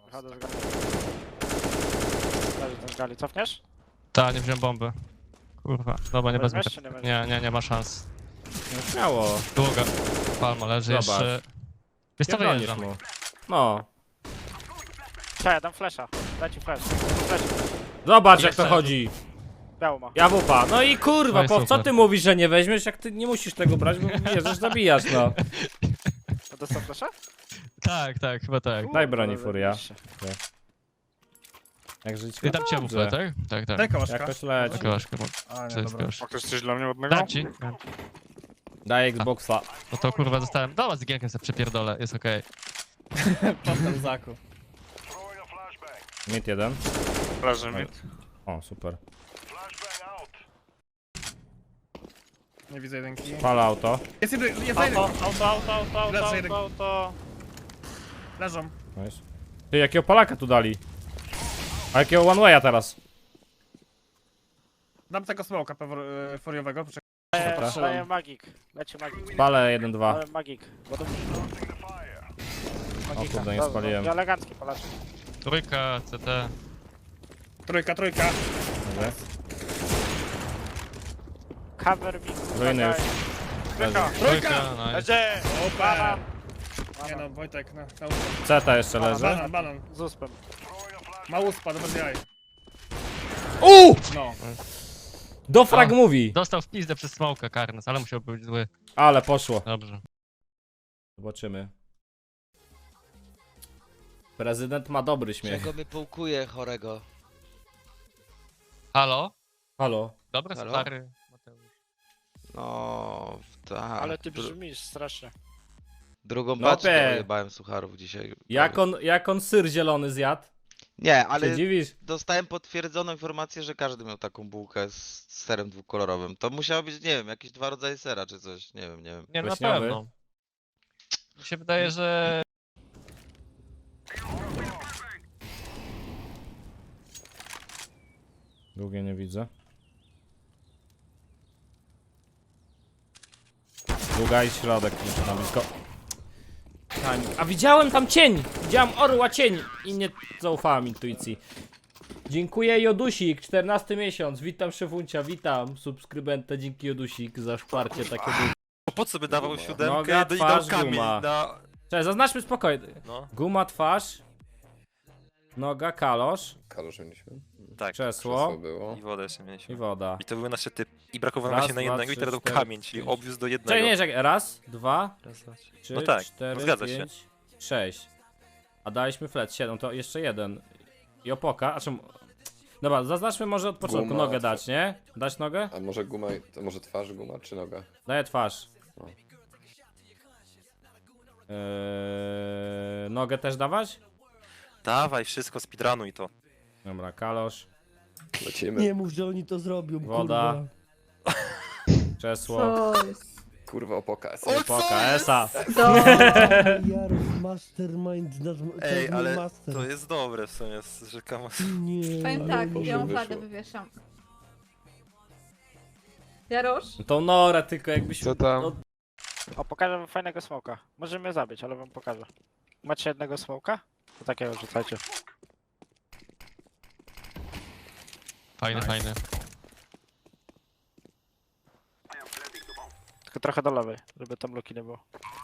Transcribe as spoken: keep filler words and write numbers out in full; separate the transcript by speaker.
Speaker 1: Wychodzę z gali. Leży ten z gali, cofniesz?
Speaker 2: Ta, nie wziąłem bomby. Kurwa, dobra, nie wezmę.
Speaker 1: Weźmiesz, czy nie weźmiesz?
Speaker 2: Nie, nie, nie ma szans.
Speaker 3: No śmiało.
Speaker 2: Długa. Palma leży
Speaker 3: Zobacz.
Speaker 2: jeszcze. Wiesz co,
Speaker 3: Pierdolisz
Speaker 2: wyjeżdżam.
Speaker 3: mu. No.
Speaker 1: Cześć, ja dam flasha. Daj ci flash. Flash.
Speaker 3: Zobacz jak
Speaker 2: Jeszcze.
Speaker 3: to chodzi.
Speaker 1: Biało ma.
Speaker 3: Ja wupa. No i kurwa,
Speaker 2: No i
Speaker 3: po co
Speaker 2: super.
Speaker 3: ty mówisz, że nie weźmiesz, jak ty nie musisz tego brać, bo wiesz, że zabijasz, no.
Speaker 1: To dostał flasha?
Speaker 2: Tak, tak, chyba tak.
Speaker 3: Daj broni,
Speaker 1: Kurde,
Speaker 3: Furia.
Speaker 1: zajebiście.
Speaker 3: Jak żyć?
Speaker 2: I dam cię bufę, tak? Tak, tak.
Speaker 4: Daj kołaszka.
Speaker 3: Jakoś leci.
Speaker 2: Taka łaszka.
Speaker 4: A,
Speaker 2: Co
Speaker 4: nie,
Speaker 2: jest
Speaker 4: dobra.
Speaker 2: gość?
Speaker 1: Ma ktoś coś dla mnie ładnego?
Speaker 2: Dam ci.
Speaker 3: Daj Xboxa.
Speaker 2: No to kurwa zostałem. Dobra, z gierkiem sobie przepierdolę, jest okej.
Speaker 4: Potem zakup.
Speaker 3: Mid jeden.
Speaker 1: Leży mid.
Speaker 3: O, super.
Speaker 4: Nie widzę jedynki.
Speaker 3: Pala auto.
Speaker 4: Jest jeden, jest jeden.
Speaker 1: Auto, auto, auto, auto,
Speaker 4: Leży
Speaker 1: auto,
Speaker 4: jeden.
Speaker 1: auto, auto.
Speaker 4: Leżą.
Speaker 3: Nice. Ty, jakiego Polaka tu dali? A jakiego one way'a teraz?
Speaker 4: Dam tego smoka pewor- furiowego. Poczekaj.
Speaker 1: Daję, daję magik. Leci magik.
Speaker 3: Palę jeden dwa.
Speaker 1: Dałem magik. Bo to...
Speaker 3: O kurde, nie
Speaker 1: Dobra,
Speaker 3: spaliłem.
Speaker 1: dobra, elegancki Polacy.
Speaker 2: Trójka, C T.
Speaker 4: Trójka, trójka.
Speaker 3: Dobra.
Speaker 1: Cover me.
Speaker 3: Ruiny już.
Speaker 1: Trójka.
Speaker 2: Trójka, nice.
Speaker 1: Leży!
Speaker 4: Opa.
Speaker 1: Banan.
Speaker 4: Nie no, Wojtek, na, na
Speaker 3: Ceta jeszcze leży.
Speaker 4: Banan, banan.
Speaker 1: Z uspem.
Speaker 4: Ma uspa, dobra jaj.
Speaker 3: Uuu!
Speaker 4: No.
Speaker 3: Do frag
Speaker 2: A.
Speaker 3: mówi.
Speaker 2: Dostał w pizdę przez smoka Karnes, ale musiał być zły.
Speaker 3: Ale poszło.
Speaker 2: Dobrze.
Speaker 3: Zobaczymy. Prezydent ma dobry śmiech.
Speaker 5: Czego mnie połkuje chorego?
Speaker 2: Halo?
Speaker 3: Halo.
Speaker 2: Dobry,
Speaker 5: Halo?
Speaker 2: stary Mateusz.
Speaker 5: No, tak.
Speaker 1: Ale ty
Speaker 5: Dru-
Speaker 1: brzmisz strasznie.
Speaker 5: drugą
Speaker 3: No
Speaker 5: paczkę
Speaker 3: opie.
Speaker 5: ojebałem sucharów dzisiaj.
Speaker 3: Jak on, jak on syr zielony zjadł?
Speaker 5: Nie, ale
Speaker 3: Się dziwisz?
Speaker 5: dostałem potwierdzoną informację, że każdy miał taką bułkę z serem dwukolorowym. To musiało być, nie wiem, jakieś dwa rodzaje sera czy coś. Nie wiem, nie wiem.
Speaker 2: Nie, no na
Speaker 3: Wiśniowy?
Speaker 2: pewno. Mi się wydaje, że...
Speaker 3: Długie nie widzę. Długa i środek jeszcze na blisko. Tam- A widziałem tam cień! Widziałem orła cień! I nie zaufałem intuicji. Dziękuję Jodusik, czternasty miesiąc. Witam szefuncia, witam subskrybenta, dzięki Jodusik za wsparcie takie duże.
Speaker 6: Po co by dawał
Speaker 3: Noga,
Speaker 6: siódemkę do i
Speaker 3: twarz,
Speaker 6: dał kamień
Speaker 3: guma.
Speaker 6: na...
Speaker 3: Cześć, zaznaczmy spokojnie.
Speaker 6: No,
Speaker 3: Guma, twarz. Noga, kalosz.
Speaker 7: Kalosz mieliśmy.
Speaker 6: tak.
Speaker 3: Krzesło.
Speaker 7: było.
Speaker 6: I wodę jeszcze
Speaker 3: I
Speaker 6: mieliśmy.
Speaker 3: woda.
Speaker 6: I to były nasze typy. I brakowało
Speaker 3: Raz,
Speaker 6: nam się na
Speaker 3: dwa,
Speaker 6: jednego i
Speaker 3: trzy,
Speaker 6: teraz dał
Speaker 3: cztery,
Speaker 6: kamień, czyli
Speaker 3: pięć.
Speaker 6: obwiózł do jednego.
Speaker 3: Czekaj, nie, czekaj. Raz, dwa,
Speaker 6: Raz, dwa, trzy.
Speaker 3: trzy,
Speaker 6: No tak,
Speaker 3: cztery,
Speaker 6: no zgadza się.
Speaker 3: pięć, sześć. A daliśmy flet, siedem, to jeszcze jeden. I opoka, a czemu... Dobra, zaznaczmy może od początku,
Speaker 7: Guma,
Speaker 3: nogę
Speaker 7: twarz.
Speaker 3: dać, nie? Dać nogę?
Speaker 7: A może guma, to może twarz guma czy noga?
Speaker 3: Daję twarz.
Speaker 7: No.
Speaker 3: Eee, nogę też dawać?
Speaker 6: Dawaj, wszystko speedrunuj to.
Speaker 3: Dobra, kalosz,
Speaker 7: Lecimy.
Speaker 8: Nie mów, że oni to zrobią,
Speaker 3: woda,
Speaker 8: kurwa.
Speaker 3: krzesło,
Speaker 8: Co jest?
Speaker 7: Kurwa opoka.
Speaker 3: opoka, esa.
Speaker 8: Jarów, mastermind, nasz
Speaker 6: Ej,
Speaker 8: to
Speaker 6: ale
Speaker 8: master.
Speaker 6: to jest dobre w sumie, że kamo...
Speaker 8: Nie.
Speaker 9: Powiem tak,
Speaker 7: Boże,
Speaker 9: białą
Speaker 7: wyszło.
Speaker 9: fladę wywieszam. Jarosz?
Speaker 3: Tą norę tylko jakbyś...
Speaker 5: Co tam?
Speaker 3: No,
Speaker 1: O, pokażę wam fajnego smoka. Może mnie zabić, ale wam pokażę. Macie jednego smoka? To takiego rzucajcie.
Speaker 2: Fajny, fajny.
Speaker 1: Tylko trochę do lewej, żeby tam luki nie było.